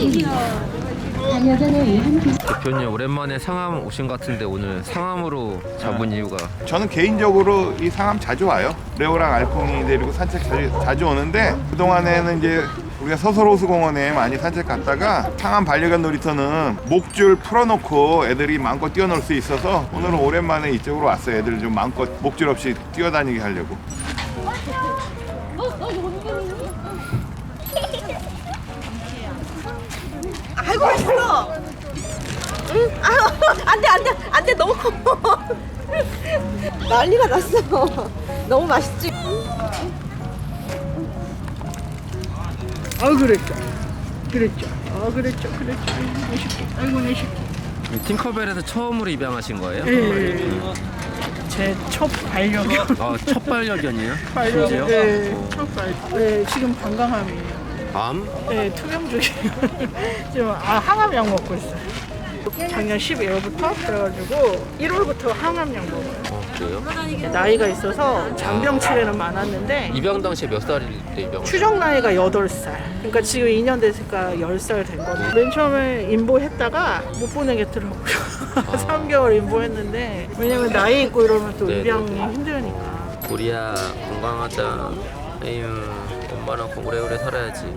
대표님 오랜만에 상암 오신 것 같은데 오늘 상암으로 잡은 이유가? 저는 개인적으로 이 상암 자주 와요. 레오랑 알콩이 데리고 산책 자주 오는데 그동안에는 이제 우리가 서설호수공원에 많이 산책 갔다가 상암 반려견 놀이터는 목줄 풀어놓고 애들이 마음껏 뛰어놀 수 있어서 오늘은 오랜만에 이쪽으로 왔어요. 애들 좀 마음껏 목줄 없이 뛰어다니게 하려고. 아이고 맛있어. 응? 안돼 너무 커. 난리가 났어. 너무 맛있지. 그랬죠. 아이고 내 새끼. 아이고 내 새끼. 팅커벨에서 처음으로 입양하신 거예요? 제 첫 반려견. 첫 반려견이에요? 반려견. 심지어? 네, 첫 반려. 네, 지금 방광암이에요. 암? 네, 투병 중이에요. 지금 항암약 먹고 있어요. 작년 12월부터 그래가지고 1월부터 항암약 먹어요. 그래요? 나이가 있어서 잔병 치레는 많았는데 입양 당시에 몇 살일 때 입양? 추정 나이가 8살. 그러니까 지금 2년 됐으니까 10살 된 거죠. 맨 처음에 인보했다가 못 보내겠더라고요. 3개월 인보했는데 왜냐면 나이 있고 이러면 또 네네네. 입양이 힘드니까. 우리야 건강하자. 에휴 엄마랑 오래오래 살아야지.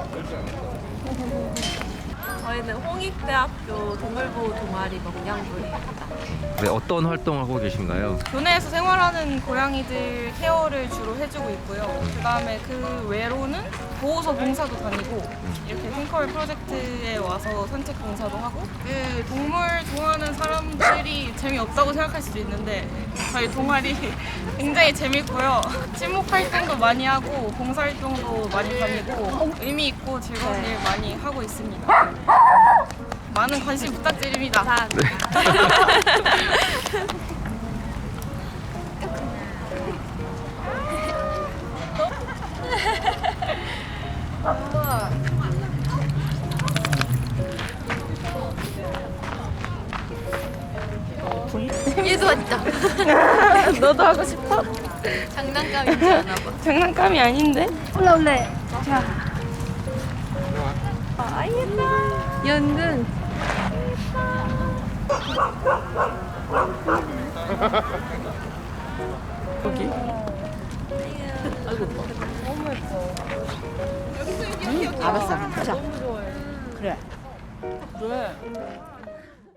저희는 홍익대학교 동물보호 동아리 먹냥부입니다. 네, 어떤 활동을 하고 계신가요? 교내에서 생활하는 고양이들 케어를 주로 해주고 있고요. 그 다음에 그 외로는 보호소 봉사도 다니고 이렇게 핑커벨 프로젝트에 와서 산책 봉사도 하고 그 동물 좋아하는 사람들이 재미없다고 생각할 수도 있는데 저희 동아리 굉장히 재밌고요. 친목 활동도 많이 하고 봉사 활동도 많이 다니고 의미 있고 즐거운 일 많이 하고 있습니다. 많은 관심 부탁드립니다. 얘도 왔다. 너도 하고 싶어? 장난감이지 않아 봐. 장난감이 아닌데? 올래. 자. 아 예뻐. 연근. 여기. 알았어. 자. 그래.